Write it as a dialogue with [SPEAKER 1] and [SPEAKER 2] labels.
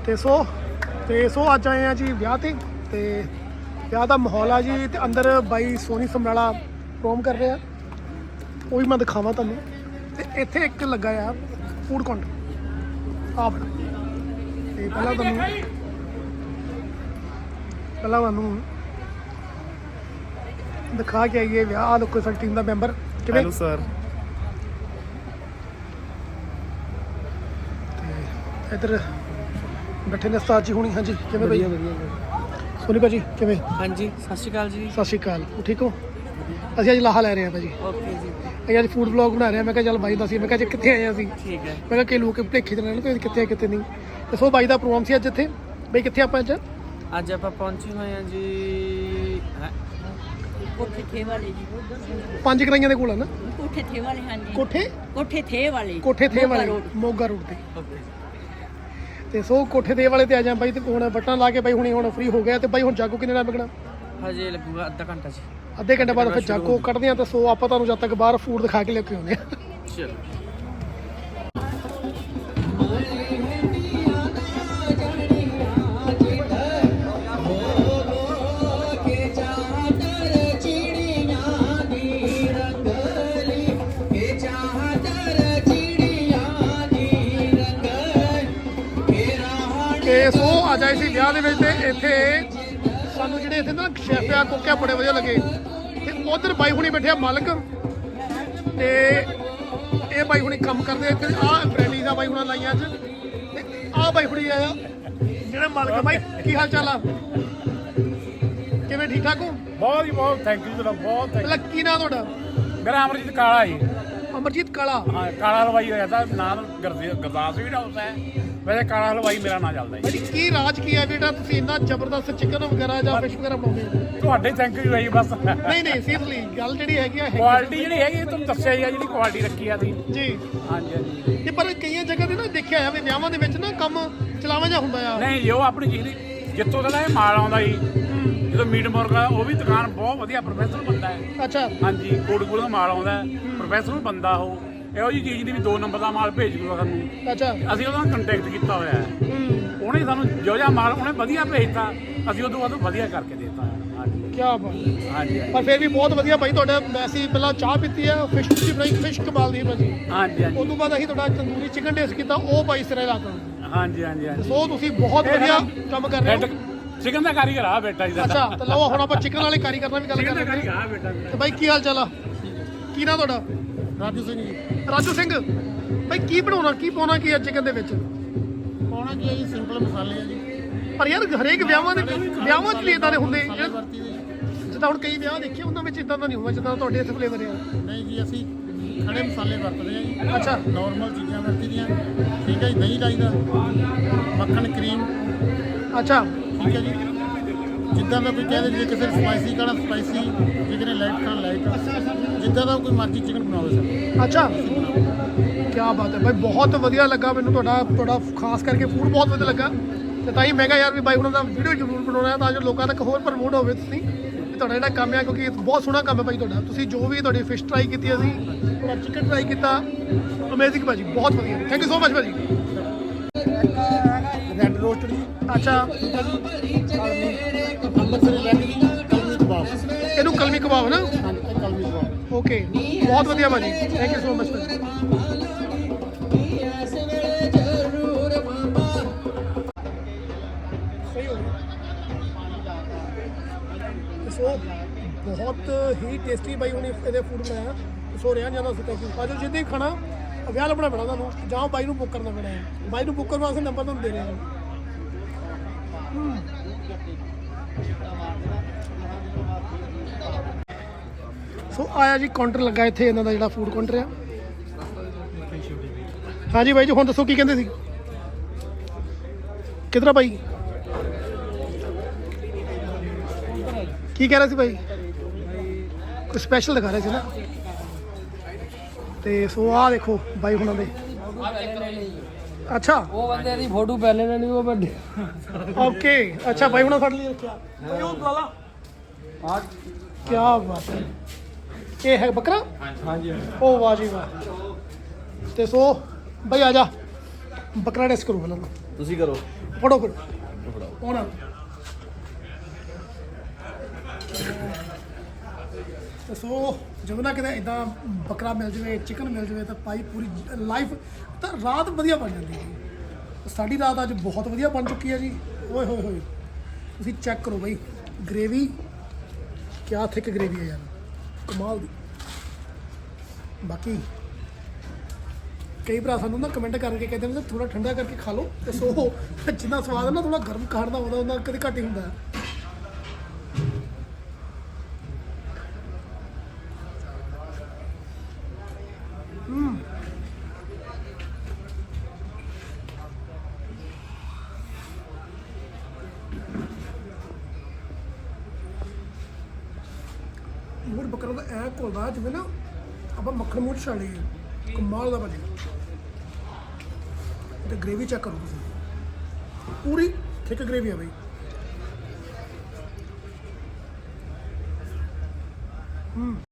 [SPEAKER 1] ਤੇ ਸੋ ਅੱਜ ਆਏ ਆ ਜੀ ਵਿਆਹ ਤੇ ਵਿਆਹ ਦਾ ਮਾਹੌਲ ਆ ਜੀ ਤੇ ਅੰਦਰ ਬਾਈ ਸੋਨੀ ਸਮਰਾਲਾ ਪ੍ਰੋਮ ਕਰ ਰਿਹਾ, ਉਹ ਵੀ ਮੈਂ ਦਿਖਾਵਾਂ ਤੁਹਾਨੂੰ। ਤੇ ਇੱਥੇ ਇੱਕ ਲੱਗਾ ਆ ਫੂਡ ਕਾਊਂਟਰ ਆ ਬਣਾ, ਤੇ ਪਹਿਲਾਂ ਤੁਹਾਨੂੰ ਦਿਖਾ ਕੇ ਆਈਏ ਵਿਆਹ। ਆ ਦੇਖੋ ਸਾਡੀ ਟੀਮ ਦਾ ਮੈਂਬਰ ਕਿਵੇਂ।
[SPEAKER 2] Hello sir.
[SPEAKER 1] ਤੇ ਇੱਧਰ ਬੈਠੇ ਨੇ ਉਸਤਾਦ ਜੀ ਹੁਣੀ। ਹਾਂਜੀ ਕਿਵੇਂ ਬਈ? ਸੋਨੀ ਭਾਜੀ ਕਿਵੇਂ?
[SPEAKER 3] ਹਾਂਜੀ ਸਤਿ ਸ਼੍ਰੀ ਅਕਾਲ ਜੀ।
[SPEAKER 1] ਸਤਿ ਸ਼੍ਰੀ ਅਕਾਲ, ਠੀਕ ਹੋ? ਅਸੀਂ ਅੱਜ ਲਾਹਾ ਲੈ ਰਹੇ ਹਾਂ ਭਾਜੀ।
[SPEAKER 3] ਓਕੇ ਜੀ।
[SPEAKER 1] ਅਸੀਂ ਅੱਜ ਫੂਡ ਵਲੌਗ ਬਣਾ ਰਹੇ ਹਾਂ। ਮੈਂ ਕਿਹਾ ਚੱਲ ਬਾਈ ਦੱਸੀ, ਮੈਂ ਕਿਹਾ ਜੀ ਕਿੱਥੇ ਆਏ ਅਸੀਂ।
[SPEAKER 3] ਠੀਕ ਹੈ।
[SPEAKER 1] ਮੈਂ ਕਿਹਾ ਕਈ ਲੋਕ ਭੁਲੇਖੇ 'ਚ ਰਹਿਣ ਕੋਈ ਕਿੱਥੇ ਆ ਕਿੱਥੇ ਨਹੀਂ। ਤੇ ਸੋ ਬਾਈ ਦਾ ਪ੍ਰੋਗਰਾਮ ਸੀ ਅੱਜ ਇੱਥੇ। ਬਈ ਕਿੱਥੇ ਆਪਾਂ
[SPEAKER 3] ਅੱਜ ਆਪਾਂ ਪਹੁੰਚੇ ਹੋਏ ਹਾਂ ਜੀ
[SPEAKER 4] ਕੋਠੇ ਥੇ ਵਾਲੇ ਜੀ।
[SPEAKER 1] 5 ਕਰਾਈਆਂ ਦੇ ਕੋਲ ਹੈ ਨਾ?
[SPEAKER 4] ਕੋਠੇ ਥੇ ਵਾਲੇ ਹਾਂਜੀ।
[SPEAKER 1] ਕੋਠੇ ਥੇ ਵਾਲੇ ਮੋਗਾ ਰੋਡ ਤੇ।
[SPEAKER 3] ਓਕੇ।
[SPEAKER 1] ਤੇ ਸੋ ਕੋਠੇ ਦੇ ਵਾਲੇ ਤੇ ਆ ਜਾ ਬਾਈ। ਤੇ ਹੁਣ ਬਟਨ ਲਾ ਕੇ ਬਾਈ ਹੁਣ ਫ੍ਰੀ ਹੋ ਗਿਆ। ਤੇ ਬਾਈ ਹੁਣ ਜਾਗੋ ਕਿੰਨੇ ਟਾਈਮ ਲੱਗਣਾ?
[SPEAKER 3] ਹਜੇ ਲੱਗੂਗਾ ਅੱਧਾ ਘੰਟਾ ਜੀ।
[SPEAKER 1] ਅੱਧੇ ਘੰਟੇ ਬਾਅਦ ਫਿਰ ਜਾਗੋ ਕੱਢਦੇ ਆ। ਤੇ ਸੋ ਆਪਾਂ ਤੁਹਾਨੂੰ ਜਦ ਤੱਕ ਬਾਹਰ ਫੂਡ ਦਿਖਾ ਕੇ ਲੈ ਕੇ ਆਉਂਦੇ ਆ।
[SPEAKER 3] ਚਲੋ।
[SPEAKER 1] ਤੇ ਸੋ ਆ ਜਾਏ ਸੀ ਵਿਆਹ ਦੇ ਵਿੱਚ। ਤੇ ਇੱਥੇ ਸਾਨੂੰ ਜਿਹੜੇ ਇੱਥੇ ਨਾ ਸ਼ੈਫ ਆ ਕੁੱਕ ਬੜੇ ਵਧੀਆ ਲੱਗੇ। ਤੇ ਉਧਰ ਬਾਈ ਹੁਣੀ ਬੈਠੇ ਆ ਮਾਲਕ, ਤੇ ਇਹ ਬਾਈ ਹੁਣੀ ਕੰਮ ਕਰਦੇ ਆ। ਤੇ ਆਹ ਬ੍ਰੈਡੀਜ਼ ਆ ਬਾਈ ਹੁਣਾਂ ਲਾਈਆਂ ਅੱਜ। ਤੇ ਆਹ ਬਾਈ ਹੁਣੀ ਆਇਆ ਜਿਹੜੇ ਮਾਲਕ। ਬਾਈ ਕੀ ਹਾਲ ਚਾਲ ਆ? ਕਿਵੇਂ ਠੀਕ ਠਾਕ ਹੋ?
[SPEAKER 2] ਬਹੁਤ ਜੀ ਬਹੁਤ ਥੈਂਕ ਯੂ ਤੁਹਾਡਾ ਬਹੁਤ।
[SPEAKER 1] ਪਹਿਲਾਂ ਕੀ ਨਾਂ ਤੁਹਾਡਾ?
[SPEAKER 2] ਮੇਰਾ ਅਮਰਜੀਤ ਕਾਲਾ ਜੀ।
[SPEAKER 1] ਅਮਰਜੀਤ ਕਾਲਾ।
[SPEAKER 2] ਹਾਂ ਕਾਲਾ ਹਲਵਾਈ ਹੋਇਆ ਤਾਂ ਨਾਮ ਗੁਰਦਾਸ ਵੀ ਹਾਊਸ ਹੈ, ਵੈਸੇ ਕਾਲਾ ਹਲਵਾਈ ਮੇਰਾ ਨਾਂ ਚੱਲਦਾ ਜੀ।
[SPEAKER 1] ਭਾਜੀ ਕੀ ਰਾਜ ਕੀ ਹੈ ਬੇਟਾ, ਤੁਸੀਂ ਇੰਨਾ ਜ਼ਬਰਦਸਤ ਚਿਕਨ ਵਗੈਰਾ ਜਾਂ ਫਿਸ਼ ਵਗੈਰਾ ਬਣਾਉਂਦੇ ਹੋ?
[SPEAKER 2] ਤੁਹਾਡੇ ਥੈਂਕ ਯੂ ਹੈ ਜੀ ਬਸ।
[SPEAKER 1] ਨਹੀਂ ਸੀਰੀਅਸਲੀ ਗੱਲ ਜਿਹੜੀ ਹੈਗੀ ਆ
[SPEAKER 2] ਕੁਆਲਿਟੀ ਜਿਹੜੀ ਹੈਗੀ ਤੁਹਾਨੂੰ ਦੱਸਿਆ ਹੀ ਆ, ਜਿਹੜੀ ਕੁਆਲਿਟੀ ਰੱਖੀ ਆ ਤੁਸੀਂ
[SPEAKER 1] ਜੀ।
[SPEAKER 2] ਹਾਂਜੀ ਹਾਂਜੀ।
[SPEAKER 1] ਤੇ ਪਰ ਕਈਆਂ ਜਗ੍ਹਾ ਤੇ ਨਾ ਦੇਖਿਆ ਵੀ ਵਿਆਹਾਂ ਦੇ ਵਿੱਚ ਨਾ ਕੰਮ ਚਲਾਵਾ ਜਾ ਹੁੰਦਾ ਆ।
[SPEAKER 2] ਨਹੀਂ ਜੀ ਉਹ ਆਪਣੀ ਚੀਜ਼ ਦੀ ਜਿੱਥੋਂ ਦਾ ਇਹ ਮਾਲ ਆਉਂਦਾ ਜੀ, ਜਦੋਂ ਮੀਟ ਮੁਰਗਾ ਉਹ ਵੀ ਦੁਕਾਨ ਬਹੁਤ ਵਧੀਆ ਪ੍ਰੋਫੈਸ਼ਨਲ ਬੰਦਾ ਹੈ।
[SPEAKER 1] ਅੱਛਾ।
[SPEAKER 2] ਹਾਂਜੀ ਕੋਟਕਪੂਰੇ ਦਾ ਮਾਲ ਆਉਂਦਾ ਪ੍ਰੋਫੈਸ਼ਨਲ ਬੰਦਾ ਉਹ ਇਹੋ ਜਿਹੀ ਚੀਜ਼ ਦੀ ਵੀ 2 ਨੰਬਰ ਦਾ ਮਾਲ ਭੇਜ ਦੂਗਾ ਸਾਨੂੰ।
[SPEAKER 1] ਅੱਛਾ।
[SPEAKER 2] ਅਸੀਂ ਉਹਦਾ ਕੰਟੈਕਟ ਕੀਤਾ ਹੋਇਆ ਹੈ। ਉਹਨੇ ਸਾਨੂੰ ਜੋ ਜਿਹਾ ਮਾਲ ਉਹਨੇ ਵਧੀਆ ਭੇਜਤਾ, ਅਸੀਂ ਉਦੋਂ ਬਾਅਦ ਵਧੀਆ ਕਰਕੇ ਦੇਤਾ। ਹਾਂਜੀ
[SPEAKER 1] ਕੀ ਬਾਤ।
[SPEAKER 2] ਹਾਂਜੀ
[SPEAKER 1] ਪਰ ਫਿਰ ਵੀ ਬਹੁਤ ਵਧੀਆ ਭਾਈ ਤੁਹਾਡਾ। ਅਸੀਂ ਪਹਿਲਾਂ ਚਾਹ ਪੀਤੀ ਆ, ਫਿਸ਼ ਤੁਸੀਂ ਬਣਾਈ, ਫਿਸ਼ ਕਮਾਲ ਦੀ ਭਾਜੀ।
[SPEAKER 2] ਹਾਂਜੀ ਹਾਂਜੀ
[SPEAKER 1] ਉਸ ਤੋਂ ਬਾਅਦ ਅਸੀਂ ਤੁਹਾਡਾ ਤੰਦੂਰੀ ਚਿਕਨ ਟੇਸਟ ਕੀਤਾ, ਉਹ ਭਾਈ ਸਿਰੇ ਲਾਤਾ।
[SPEAKER 2] ਹਾਂਜੀ ਹਾਂਜੀ ਹਾਂਜੀ।
[SPEAKER 1] ਸੋ ਤੁਸੀਂ ਬਹੁਤ ਵਧੀਆ ਕੰਮ ਕਰ ਰਹੇ ਹੋ।
[SPEAKER 2] ਚਿਕਨ ਦਾ ਕਾਰੀਗਰ ਆ ਬੇਟਾ ਜੀ ਦਾ।
[SPEAKER 1] ਅੱਛਾ ਤੇ ਲਓ ਹੁਣ ਆਪਾਂ ਚਿਕਨ ਵਾਲੇ ਕਾਰੀਗਰ ਨਾਲ ਵੀ ਗੱਲ
[SPEAKER 2] ਚਿਕਨ ਦਾ
[SPEAKER 1] ਕਰਾਂਗੇ।
[SPEAKER 2] ਕਾਰੀਗਰ ਆ ਬੇਟਾ ਜੀ।
[SPEAKER 1] ਤੇ ਬਾਈ ਕੀ ਹਾਲ ਚਾਲ ਆ? ਕੀ ਨਾਂ ਤੁਹਾਡਾ?
[SPEAKER 5] ਰਾਜੂ ਸਿੰਘ ਜੀ।
[SPEAKER 1] ਰਾਜੂ ਸਿੰਘ। ਬਾਈ ਕੀ ਬਣਾਉਣਾ, ਕੀ ਪਾਉਣਾ ਕੀ ਆ ਚਿਕਨ ਦੇ ਵਿੱਚ?
[SPEAKER 5] ਪਾਉਣਾ ਕੀ ਹੈ ਜੀ? ਸਿੰਪਲ ਮਸਾਲੇ ਆ ਜੀ।
[SPEAKER 1] ਪਰ ਯਾਰ ਹਰੇਕ ਵਿਆਹਾਂ 'ਚ ਵੀ ਇਦਾਂ ਦੇ ਹੁੰਦੇ
[SPEAKER 5] ਮਸਾਲੇ ਵਰਤੀ ਦੇ ਜੀ।
[SPEAKER 1] ਜਿੱਦਾਂ ਹੁਣ ਕਈ ਵਿਆਹ ਦੇਖੇ ਉਹਨਾਂ ਵਿੱਚ ਇਦਾਂ ਦਾ ਨਹੀਂ ਹੁੰਦਾ ਜਿੱਦਾਂ ਤੁਹਾਡੇ ਇੱਥੇ ਫਲੇਵਰ ਆ।
[SPEAKER 5] ਨਹੀਂ ਜੀ ਅਸੀਂ ਖੜੇ ਮਸਾਲੇ ਵਰਤਦੇ ਆ ਜੀ।
[SPEAKER 1] ਅੱਛਾ।
[SPEAKER 5] ਨਾਰਮਲ ਚੀਜ਼ਾਂ ਵਰਤੀ ਦੀਆਂ। ਠੀਕ ਹੈ ਜੀ। ਦਹੀਂ ਲਾਈਦਾ, ਮੱਖਣ, ਕਰੀਮ।
[SPEAKER 1] ਅੱਛਾ
[SPEAKER 5] ਠੀਕ ਹੈ ਜੀ। ਜਿੱਦਾਂ ਦਾ ਕੋਈ ਕਹਿੰਦੇ ਜੇ ਕਿਸੇ ਨੇ ਸਪਾਈਸੀ ਖਾਣਾ ਸਪਾਈਸੀ, ਜੇ ਕਿਸੇ ਨੇ ਲਾਈਟ ਖਾਣਾ ਲਾਈਟ, ਜਿੱਦਾਂ ਦਾ ਕੋਈ ਮਰਜ਼ੀ ਚਿਕਨ ਬਣਾਵੇ ਸਰ।
[SPEAKER 1] ਅੱਛਾ ਕੀ ਬਾਤ ਹੈ ਬਾਈ, ਬਹੁਤ ਵਧੀਆ ਲੱਗਾ ਮੈਨੂੰ ਤੁਹਾਡਾ ਖਾਸ ਕਰਕੇ ਫੂਡ ਬਹੁਤ ਵਧੀਆ ਲੱਗਾ। ਤੇ ਤਾਂ ਹੀ ਮੈਂ ਕਿਹਾ ਯਾਰ ਵੀ ਬਾਈ ਉਹਨਾਂ ਦਾ ਵੀਡੀਓ ਜ਼ਰੂਰ ਬਣਾਉਣਾ ਤਾਂ ਜੋ ਲੋਕਾਂ ਤੱਕ ਹੋਰ ਪ੍ਰਮੋਟ ਹੋਵੇ। ਤੁਸੀਂ ਵੀ ਤੁਹਾਡਾ ਜਿਹੜਾ ਕੰਮ ਹੈ, ਕਿਉਂਕਿ ਬਹੁਤ ਸੋਹਣਾ ਕੰਮ ਹੈ ਭਾਈ ਤੁਹਾਡਾ। ਤੁਸੀਂ ਜੋ ਵੀ ਤੁਹਾਡੀ ਫਿਸ਼ ਟਰਾਈ ਕੀਤੀ, ਅਸੀਂ ਤੁਹਾਡਾ ਚਿਕਨ ਟਰਾਈ ਕੀਤਾ, ਅਮੇਜ਼ਿੰਗ ਭਾਜੀ, ਬਹੁਤ ਵਧੀਆ। ਥੈਂਕ ਯੂ ਸੋ ਮਚ ਭਾਜੀ।
[SPEAKER 5] ਰੈੱਡ ਰੋਸਟਡ ਜੀ।
[SPEAKER 1] ਅੱਛਾ।
[SPEAKER 5] ਅੰਮ੍ਰਿਤਸਰੀ ਰੈੱਡ ਜੀ। ਕਲਮੀ ਕਬਾਬ।
[SPEAKER 1] ਇਹਨੂੰ ਕਲਮੀ ਕਬਾਬ ਨਾ?
[SPEAKER 5] ਹਾਂਜੀ ਇਹ ਕਲਮੀ ਕਬਾਬ।
[SPEAKER 1] ਓਕੇ ਬਹੁਤ ਵਧੀਆ ਭਾਜੀ, ਥੈਂਕ ਯੂ ਸੋ ਮਚ ਭਾਜੀ। ਸਹੀ ਹੋ ਗਿਆ। ਸੋ ਬਹੁਤ ਹੀ ਟੇਸਟੀ ਬਾਈ ਉਹਨੇ ਇਹਦੇ ਫੂਡ ਬਣਾਇਆ। ਸੋ ਰਿਹਾ ਜਾਂਦਾ ਸੀ। ਥੈਂਕ ਯੂ ਭਾਜੀ। ਜਿੱਦਾਂ ਹੀ ਖਾਣਾ ਵਿਆਹ ਲੱਭਣਾ ਪੈਣਾ ਤੁਹਾਨੂੰ, ਜਾਂ ਬਾਈ ਨੂੰ ਬੁੱਕ ਕਰਨਾ ਪੈਣਾ ਹੈ। ਬਾਈ ਨੂੰ ਬੁੱਕ ਕਰਨ ਵਾਸਤੇ ਨੰਬਰ ਤੁਹਾਨੂੰ ਦੇ ਰਹੇ ਹਾਂ। ਸੋ ਆਇਆ ਜੀ ਕਾਊਂਟਰ ਲੱਗਾ ਇੱਥੇ ਇਹਨਾਂ ਦਾ ਜਿਹੜਾ ਫੂਡ ਕਾਊਂਟਰ ਆ। ਹਾਂਜੀ ਬਾਈ ਜੀ ਹੁਣ ਦੱਸੋ ਕੀ ਕਹਿੰਦੇ ਸੀ? ਕਿਧਰ ਆ ਬਾਈ? ਕੀ ਕਹਿ ਰਿਹਾ ਸੀ ਬਾਈ? ਕੋਈ ਸਪੈਸ਼ਲ ਦਿਖਾ ਰਿਹਾ ਸੀ ਨਾ। ਤੇ ਸੋ ਆਹ ਦੇਖੋ ਬਾਈ ਹੁਣਾਂ ਦੇ। ਅੱਛਾ
[SPEAKER 3] ਉਹ ਬੰਦੇ ਦੀ ਫੋਟੋ ਪਹਿਲੇ ਲੈਣੀ ਉਹ ਵੱਡੇ।
[SPEAKER 1] ਓਕੇ ਅੱਛਾ ਬਾਈ ਹੁਣਾਂ ਫੜ ਲਈ ਰੱਖਿਆ। ਕੀ ਬਾਤ ਹੈ। ਇਹ ਹੈ ਬੱਕਰਾ?
[SPEAKER 3] ਹਾਂਜੀ।
[SPEAKER 1] ਉਹ ਵਾਹ ਜੀ ਵਾਹ। ਤੇ ਸੋ ਬਾਈ ਆ ਜਾ ਬੱਕਰਾ ਟੈਸਟ ਕਰੋ ਪਹਿਲਾਂ।
[SPEAKER 6] ਤੁਸੀਂ ਕਰੋ
[SPEAKER 1] ਫੜੋ ਫਿਰ
[SPEAKER 6] ਫੜਾਓ
[SPEAKER 1] ਆਉਣਾ ਤੇ ਸੋ ਜਦੋਂ ਨਾ ਕਿਤੇ ਇਦਾਂ ਬੱਕਰਾ ਮਿਲ ਜਾਵੇ ਚਿਕਨ ਮਿਲ ਜਾਵੇ ਤਾਂ ਭਾਈ ਪੂਰੀ ਲਾਈਫ ਤਾਂ ਰਾਤ ਵਧੀਆ ਬਣ ਜਾਂਦੀ ਜੀ। ਸਾਡੀ ਰਾਤ ਅੱਜ ਬਹੁਤ ਵਧੀਆ ਬਣ ਚੁੱਕੀ ਹੈ ਜੀ। ਓਏ ਹੋਏ ਹੋਏ ਤੁਸੀਂ ਚੈੱਕ ਕਰੋ ਬਾਈ ਗ੍ਰੇਵੀ ਕਿਆ ਥਿਕ ਗ੍ਰੇਵੀ ਹੈ ਯਾਰ ਕਮਾਲ ਦੀ। ਬਾਕੀ ਕਈ ਭਰਾ ਸਾਨੂੰ ਨਾ ਕਮੈਂਟ ਕਰਕੇ ਕਹਿੰਦੇ ਨੇ ਥੋੜਾ ਠੰਡਾ ਕਰਕੇ ਖਾ ਲਓ ਤੇ ਸੋ ਜਿੰਨਾ ਸਵਾਦ ਹੈ ਨਾ ਥੋੜਾ ਗਰਮ ਖਾਣ ਦਾ ਉਹਦਾ ਕਦੇ ਘੱਟ ਹੀ ਹੁੰਦਾ ਹੈ। ਮੂੜ ਬੱਕਰਾ ਦਾ ਐ ਘੁਲਦਾ ਜਿਵੇਂ ਨਾ ਆਪਾਂ ਮੱਖਣ ਮੂੰਹ 'ਚ ਛਾੜ ਲਈਏ ਕਮਾਲ ਦਾ ਬਣਿਆ। ਤੇ ਗ੍ਰੇਵੀ ਚੈੱਕ ਕਰੋ ਤੁਸੀਂ ਪੂਰੀ ਥਿਕ ਗ੍ਰੇਵੀ ਆ ਬਈ।